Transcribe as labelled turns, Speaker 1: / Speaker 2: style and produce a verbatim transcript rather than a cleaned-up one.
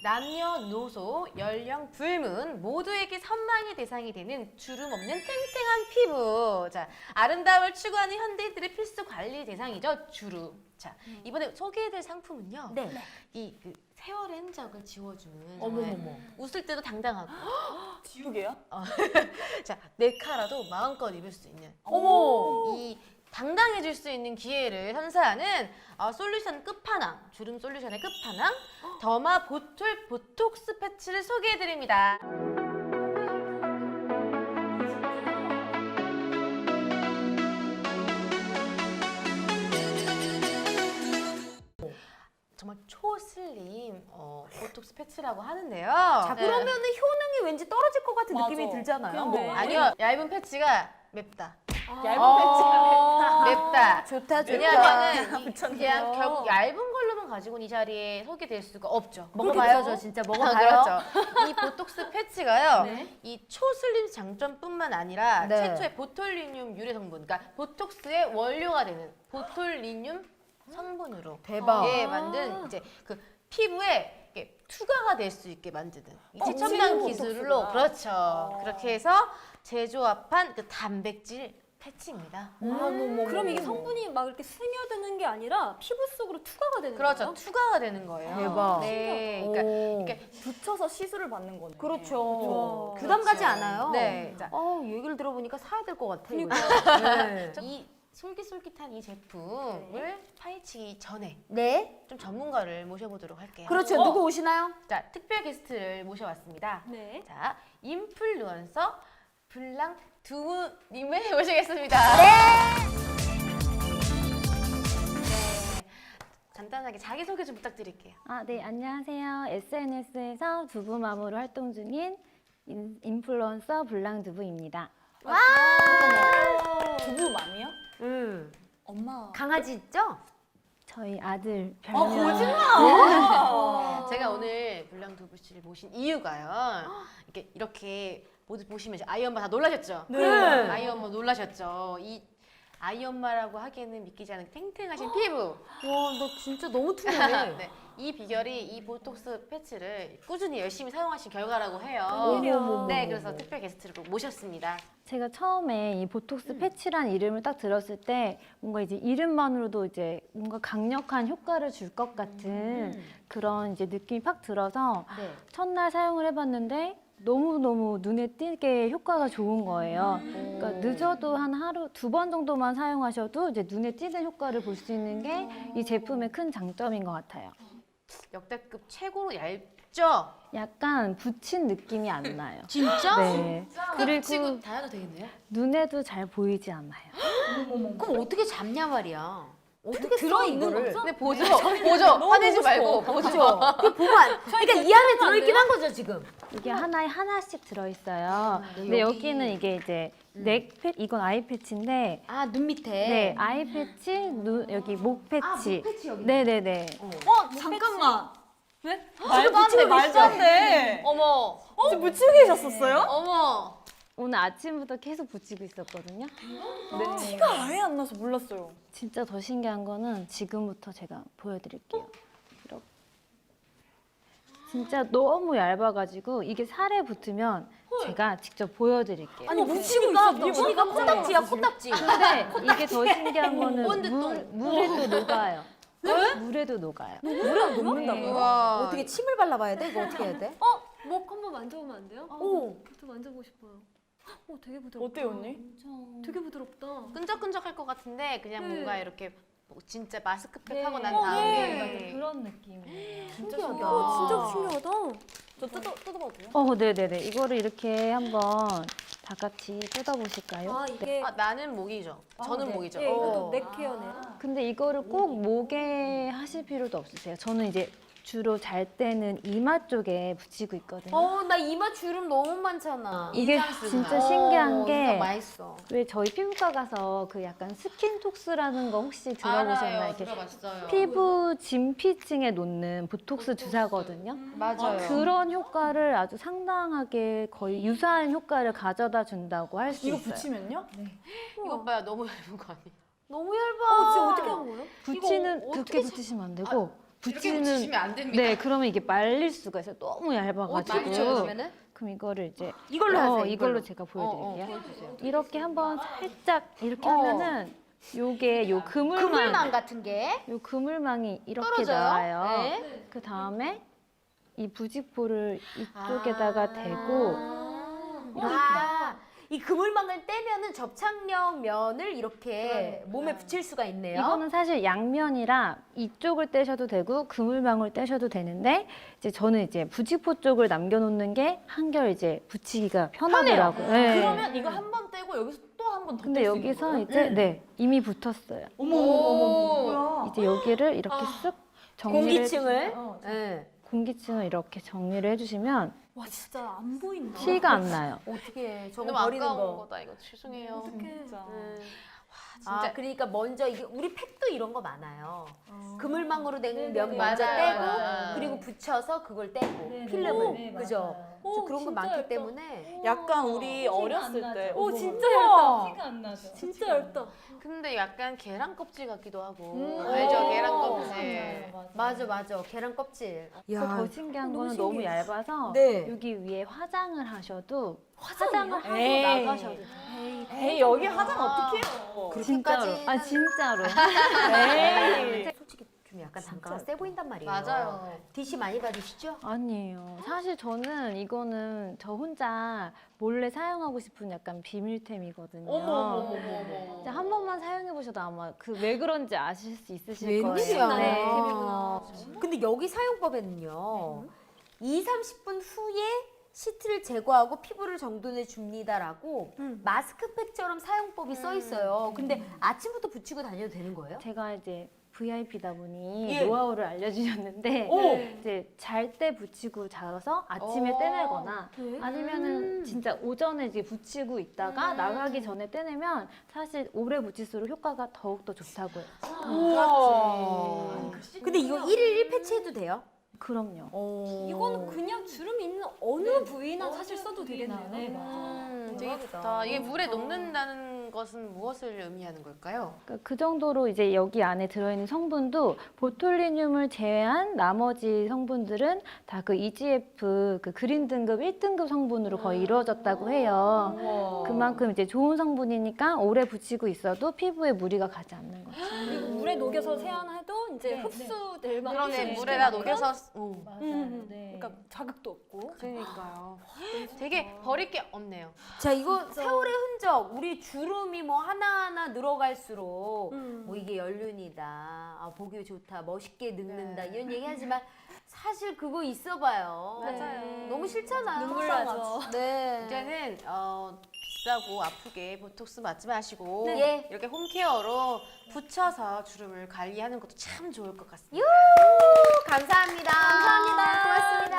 Speaker 1: 남녀노소, 연령, 불문 모두에게 선망의 대상이 되는 주름 없는 탱탱한 피부. 자, 아름다움을 추구하는 현대인들의 필수 관리 대상이죠, 주름. 자, 이번에 소개해드릴 상품은요.
Speaker 2: 네.
Speaker 1: 이 그 세월의 흔적을 지워주는.
Speaker 2: 어머머머.
Speaker 1: 웃을 때도 당당하고.
Speaker 3: 지우개요?
Speaker 1: 어. 자, 네 카라도 마음껏 입을 수 있는.
Speaker 3: 어머.
Speaker 1: 이 당당해질 수 있는 기회를 선사하는 어, 솔루션 끝판왕, 주름 솔루션의 끝판왕, 더마 보톨 보톡스 패치를 소개해드립니다. 정말 초슬림 어, 보톡스 패치라고 하는데요.
Speaker 2: 자,
Speaker 1: 네.
Speaker 2: 그러면은 효능이 왠지 떨어질 것 같은
Speaker 3: 맞아.
Speaker 2: 느낌이 들잖아요.
Speaker 3: 그냥 뭐.
Speaker 1: 아니요, 얇은 패치가 맵다.
Speaker 3: 얇은
Speaker 2: 아,
Speaker 1: 맵다.
Speaker 2: 좋다, 좋다.
Speaker 1: 왜냐하면은 이-
Speaker 3: 붙였네요.
Speaker 1: 그냥 결국 얇은 걸로만 가지고는 이 자리에 서게 될 수가 없죠.
Speaker 2: 먹어봐요, 저 진짜 먹어봐요.
Speaker 1: 아, 그렇죠. 이 보톡스 패치가요.
Speaker 2: 네.
Speaker 1: 이 초슬림 장점뿐만 아니라
Speaker 2: 네.
Speaker 1: 최초의 보톨리늄 유래 성분, 그러니까 보톡스의 원료가 되는 보톨리늄 성분으로
Speaker 2: 대박.
Speaker 1: 예, 만든 이제 그 피부에 이렇게 투과가 될 수 있게 만드는 이
Speaker 3: 어,
Speaker 1: 최첨단
Speaker 3: 지금
Speaker 1: 기술로
Speaker 3: 보톡스가.
Speaker 1: 그렇죠. 그렇게 해서 제조합한 그 단백질 패치입니다.
Speaker 2: 어머머머.
Speaker 4: 그럼 이게 성분이 막 이렇게 스며드는 게 아니라 피부 속으로 투과가 되는
Speaker 1: 그렇죠.
Speaker 4: 거예요?
Speaker 1: 투과가 되는 거예요.
Speaker 2: 대박.
Speaker 1: 네. 그러니까
Speaker 2: 오.
Speaker 1: 이렇게
Speaker 3: 붙여서 시술을 받는 거네.
Speaker 2: 그렇죠.
Speaker 4: 와.
Speaker 2: 부담 가지
Speaker 1: 그렇죠.
Speaker 2: 않아요.
Speaker 1: 네. 자,
Speaker 2: 어, 얘기를 들어보니까 사야 될 것 같아. 이거.
Speaker 4: 그러니까.
Speaker 2: 네.
Speaker 1: 이 솔깃솔깃한 이 제품을 파헤치기 전에
Speaker 2: 네.
Speaker 1: 좀 전문가를 모셔보도록 할게요.
Speaker 2: 그렇죠.
Speaker 3: 어.
Speaker 2: 누구 오시나요?
Speaker 1: 자, 특별 게스트를 모셔왔습니다.
Speaker 4: 네.
Speaker 1: 자, 인플루언서 블랑 두우님을 모시겠습니다. 네. 간단하게 자기소개 좀 부탁드릴게요.
Speaker 5: 아, 네, 안녕하세요. 에스엔에스에서 두부마모로 활동 중인 인, 인플루언서 블랑두부입니다.
Speaker 3: 두부맘이요?
Speaker 2: 음.
Speaker 3: 엄마.
Speaker 2: 강아지 있죠?
Speaker 5: 저희 아들
Speaker 3: 아,
Speaker 5: 별명
Speaker 3: 거짓말!
Speaker 1: 제가 오늘 블랑 두부 씨를 모신 이유가요. 이렇게 이렇게 모두 보시면 이제 아이 엄마 다 놀라셨죠?
Speaker 3: 네.
Speaker 1: 아이 엄마 놀라셨죠? 이 아이 엄마라고 하기에는 믿기지 않은 탱탱하신 피부.
Speaker 2: 와, 너 진짜 너무 투명해.
Speaker 1: 네, 이 비결이 이 보톡스 패치를 꾸준히 열심히 사용하신 결과라고 해요.
Speaker 2: 어머머머.
Speaker 1: 네, 그래서 특별 게스트를 꼭 모셨습니다.
Speaker 5: 제가 처음에 이 보톡스 패치란 이름을 딱 들었을 때 뭔가 이제 이름만으로도 이제 뭔가 강력한 효과를 줄 것 같은 그런 이제 느낌이 팍 들어서
Speaker 2: 네.
Speaker 5: 첫날 사용을 해봤는데 너무너무 눈에 띄게 효과가 좋은 거예요. 그러니까 늦어도 한 하루 두 번 정도만 사용하셔도 이제 눈에 띄는 효과를 볼 수 있는 게 이 제품의 큰 장점인 것 같아요.
Speaker 1: 역대급 최고로 얇죠?
Speaker 5: 약간 붙인 느낌이 안 나요.
Speaker 2: 진짜?
Speaker 5: 네.
Speaker 1: 그리고
Speaker 5: 그리고
Speaker 1: 다녀도 되겠네요?
Speaker 5: 눈에도 잘 보이지 않아요.
Speaker 2: 그럼 어떻게 잡냐 말이야. 어떻게
Speaker 4: 들어있는
Speaker 2: 써, 이거를?
Speaker 4: 거죠?
Speaker 1: 근데 보죠, 보죠. 화내지 말고 보죠.
Speaker 2: 그죠? 그 보면 안- 그러니까 이 안에 들어있긴 한 거죠, 지금.
Speaker 5: 이게 하나에 하나씩 들어있어요.
Speaker 2: 네,
Speaker 5: 근데
Speaker 2: 여기.
Speaker 5: 여기는 이게 이제 넥 패, 이건 아이 패치인데
Speaker 2: 아, 눈 밑에.
Speaker 5: 네, 아이 패치, 눈 여기 목 패치.
Speaker 2: 아, 목 패치 여기.
Speaker 5: 네네네.
Speaker 3: 어, 잠깐만.
Speaker 4: 왜?
Speaker 3: 말도 안 돼, 말도 안 돼.
Speaker 1: 어머,
Speaker 3: 지금 묻히고 계셨었어요?
Speaker 1: 어머.
Speaker 5: 오늘 아침부터 계속 붙이고 있었거든요.
Speaker 3: 네. 티가 아예 안 나서 몰랐어요.
Speaker 5: 진짜 더 신기한 거는 지금부터 제가 보여드릴게요. 이렇게. 진짜 너무 얇아가지고 이게 살에 붙으면 제가 직접 보여드릴게요.
Speaker 2: 아니, 묻히고 있어. 묻히니까
Speaker 3: 네.
Speaker 2: 코딱지야, 코딱지.
Speaker 5: 근데 이게 더 신기한 거는
Speaker 1: 뭔데 또?
Speaker 5: 물, 물에도 녹아요. 물에도 녹아요.
Speaker 2: 물에 녹는다고요?
Speaker 1: 우와.
Speaker 2: 어떻게 침을 발라봐야 돼? 이거 어떻게 해야 돼?
Speaker 4: 어? 목 한번 만져보면 안 돼요?
Speaker 2: 오.
Speaker 4: 저 만져보고 싶어요. 어, 되게 부드럽다.
Speaker 3: 어때요, 언니?
Speaker 4: 되게 부드럽다.
Speaker 1: 끈적끈적할 것 같은데 그냥
Speaker 4: 네.
Speaker 1: 뭔가 이렇게 뭐 진짜 마스크팩
Speaker 5: 네.
Speaker 1: 하고 난
Speaker 4: 어,
Speaker 1: 다음에
Speaker 4: 네.
Speaker 5: 그런 느낌이에요.
Speaker 3: 진짜
Speaker 2: 신기하다.
Speaker 4: 어, 진짜 신기하다.
Speaker 3: 저 뜯어, 뜯어봐도 돼요?
Speaker 5: 어, 네네네. 이거를 이렇게 한번 다 같이 뜯어보실까요?
Speaker 4: 아, 이게
Speaker 1: 아, 나는 목이죠. 저는
Speaker 2: 네.
Speaker 1: 목이죠.
Speaker 4: 예, 이것도
Speaker 1: 어.
Speaker 4: 넥 케어네.
Speaker 5: 근데 이거를 꼭 목에 하실 필요도 없으세요. 저는 이제 주로 잘 때는 이마 쪽에 붙이고 있거든요.
Speaker 2: 어, 나 이마 주름 너무 많잖아.
Speaker 5: 이게
Speaker 1: 인상 쓰구나.
Speaker 5: 진짜 신기한
Speaker 2: 어,
Speaker 5: 게
Speaker 2: 인상 맛있어.
Speaker 5: 왜 저희 피부과 가서 그 약간 스킨톡스라는 거 혹시 들어보셨나요?
Speaker 1: 알아요.
Speaker 5: 이렇게
Speaker 1: 들어봤어요.
Speaker 5: 피부 진피층에 놓는 보톡스 주사거든요.
Speaker 2: 맞아요.
Speaker 5: 그런 효과를 아주 상당하게 거의 유사한 효과를 가져다 준다고 할 수
Speaker 3: 이거
Speaker 5: 있어요.
Speaker 3: 붙이면요?
Speaker 1: 이것 봐요. 너무 얇은 거 아니에요?
Speaker 2: 너무 얇아.
Speaker 4: 어, 진짜 어떻게 한 거예요?
Speaker 5: 붙이는
Speaker 1: 이거
Speaker 5: 그렇게
Speaker 1: 어떻게
Speaker 5: 붙이시면 안 되고
Speaker 2: 붙이는
Speaker 1: 붙이시면 안 됩니다.
Speaker 5: 네, 그러면 이게 말릴 수가 있어요. 너무
Speaker 2: 어떻게
Speaker 5: 얇아가지고.
Speaker 2: 붙여주면은?
Speaker 5: 그럼 이거를 이제
Speaker 2: 이걸로
Speaker 5: 어,
Speaker 2: 하세요.
Speaker 5: 이걸로 제가 보여드릴게요.
Speaker 2: 보여주세요.
Speaker 5: 이렇게 한번 살짝 이렇게
Speaker 2: 어.
Speaker 5: 하면은 요게 요 그물망,
Speaker 2: 그물망 같은 게
Speaker 5: 요 그물망이 이렇게
Speaker 2: 떨어져요.
Speaker 5: 나와요.
Speaker 2: 네.
Speaker 5: 그 다음에 이 부직포를 이쪽에다가 대고
Speaker 2: 아, 이 그물망을 떼면은 접착력 면을 이렇게 몸에 붙일 수가 있네요.
Speaker 5: 이거는 사실 양면이라 이쪽을 떼셔도 되고 그물망을 떼셔도 되는데 이제 저는 이제 부직포 쪽을 남겨놓는 게 한결 이제 붙이기가 편하더라고요. 네.
Speaker 3: 그러면 이거 한 번 떼고 여기서 또 한 번 더
Speaker 5: 근데
Speaker 3: 뗄 수 있는
Speaker 5: 여기서
Speaker 3: 거예요?
Speaker 5: 이제 네 이미 붙었어요.
Speaker 3: 어머 어머 어머 뭐야?
Speaker 5: 이제 여기를 이렇게 쓱 정리를
Speaker 2: 공기층을
Speaker 3: 어,
Speaker 2: 네.
Speaker 5: 공기층을 이렇게 정리를 해주시면
Speaker 4: 와 진짜 안 보인다.
Speaker 5: 티가 안 나요.
Speaker 2: 어떻게 해? 저거
Speaker 1: 너무
Speaker 2: 버리는
Speaker 1: 아까운
Speaker 2: 거.
Speaker 1: 거다 이거 죄송해요.
Speaker 3: 진짜.
Speaker 1: 음.
Speaker 2: 아,
Speaker 1: 진짜.
Speaker 2: 그러니까 먼저 이게 우리 팩도 이런 거 많아요.
Speaker 3: 어.
Speaker 2: 그물망으로 된 면
Speaker 1: 맞아요,
Speaker 2: 먼저 떼고
Speaker 1: 맞아요.
Speaker 2: 그리고 붙여서 그걸 떼고
Speaker 5: 네,
Speaker 2: 필름을
Speaker 5: 네,
Speaker 2: 그죠?
Speaker 4: 오,
Speaker 2: 그래서 그런 거
Speaker 4: 진짜
Speaker 2: 많기
Speaker 4: 얇다.
Speaker 2: 때문에
Speaker 3: 약간 우리 어렸을 때.
Speaker 4: 오
Speaker 3: 어머,
Speaker 4: 진짜
Speaker 3: 우와.
Speaker 4: 얇다.
Speaker 5: 안 나죠.
Speaker 4: 진짜 얇다.
Speaker 1: 근데 약간 계란 껍질 같기도 하고
Speaker 2: 음.
Speaker 1: 알죠?
Speaker 2: 오.
Speaker 1: 계란 껍질.
Speaker 2: 맞아 맞아 계란 껍질.
Speaker 5: 더, 더 신기한 거는 너무 얇아서
Speaker 2: 네.
Speaker 5: 여기 위에 화장을 하셔도 화장을 하고
Speaker 3: 에이.
Speaker 5: 나가셔도 돼요.
Speaker 3: 에이 여기 화장 어떻게 해요?
Speaker 5: 진짜로.
Speaker 2: 그렇게까지는-
Speaker 5: 아 진짜로.
Speaker 3: 에이.
Speaker 2: 솔직히 좀 약간 단가가 세 보인단 말이에요.
Speaker 1: 맞아요.
Speaker 2: 디씨 많이 받으시죠?
Speaker 5: 아니에요. 사실 저는 이거는 저 혼자 몰래 사용하고 싶은 약간 비밀템이거든요.
Speaker 1: 어머 어머 어머 어머.
Speaker 5: 진짜 한 번만 사용해 보셔도 아마 그 왜 그런지 아실 수 있으실
Speaker 2: 웬일이야.
Speaker 5: 거예요. 네.
Speaker 2: 아. 근데 여기 사용법에는요. 이, 삼십 분 후에 시트를 제거하고 피부를 정돈해 줍니다라고 마스크팩처럼 사용법이 써 있어요. 근데 아침부터 붙이고 다녀도 되는 거예요?
Speaker 5: 제가 이제 브이아이피다 보니
Speaker 2: 예.
Speaker 5: 노하우를 알려주셨는데
Speaker 2: 오!
Speaker 5: 이제 잘 때 붙이고 자서 아침에
Speaker 1: 오.
Speaker 5: 떼내거나
Speaker 2: 음.
Speaker 5: 아니면은 진짜 오전에 이제 붙이고 있다가 나가기 전에 떼내면 사실 오래 붙일수록 효과가 더욱더 좋다고요.
Speaker 2: 우와. 근데 이거 일일 일 패치해도 돼요?
Speaker 5: 그럼요.
Speaker 4: 이거는 그냥 주름 있는 어느 부위나 사실 써도 되겠네요.
Speaker 1: 음, 되게 좋다. 이게 물에 녹는다는 것은 무엇을 의미하는 걸까요?
Speaker 5: 그러니까 그 정도로 이제 여기 안에 들어있는 성분도 보톨리늄을 제외한 나머지 성분들은 다 그 이지에프 그 그린 등급 일 등급 성분으로 거의 이루어졌다고 해요. 그만큼 이제 좋은 성분이니까 오래 붙이고 있어도 피부에 무리가 가지 않는 거죠.
Speaker 4: 그리고 물에 녹여서 세안해도 이제 흡수될 만큼
Speaker 1: 그러네
Speaker 4: 흡수될
Speaker 1: 물에다
Speaker 4: 만큼
Speaker 1: 녹여서 어.
Speaker 5: 맞아요.
Speaker 4: 음,
Speaker 5: 네.
Speaker 4: 그러니까 자극도 없고.
Speaker 1: 그러니까요. 되게 버릴 게 없네요.
Speaker 2: 자, 이거 세월의 흔적, 우리 주름이 뭐 하나하나 늘어갈수록
Speaker 4: 음.
Speaker 2: 뭐 이게 연륜이다, 아, 보기 좋다, 멋있게 늙는다 이런 얘기 하지만 사실 그거 있어봐요.
Speaker 4: 맞아요.
Speaker 2: 너무 싫잖아요.
Speaker 4: 눈물 나죠.
Speaker 2: 네.
Speaker 1: 이제는 어, 비싸고 아프게 보톡스 맞지 마시고
Speaker 2: 네.
Speaker 1: 이렇게 홈케어로 붙여서 주름을 관리하는 것도 참 좋을 것 같습니다.
Speaker 2: 감사합니다. 감사합니다. 고맙습니다.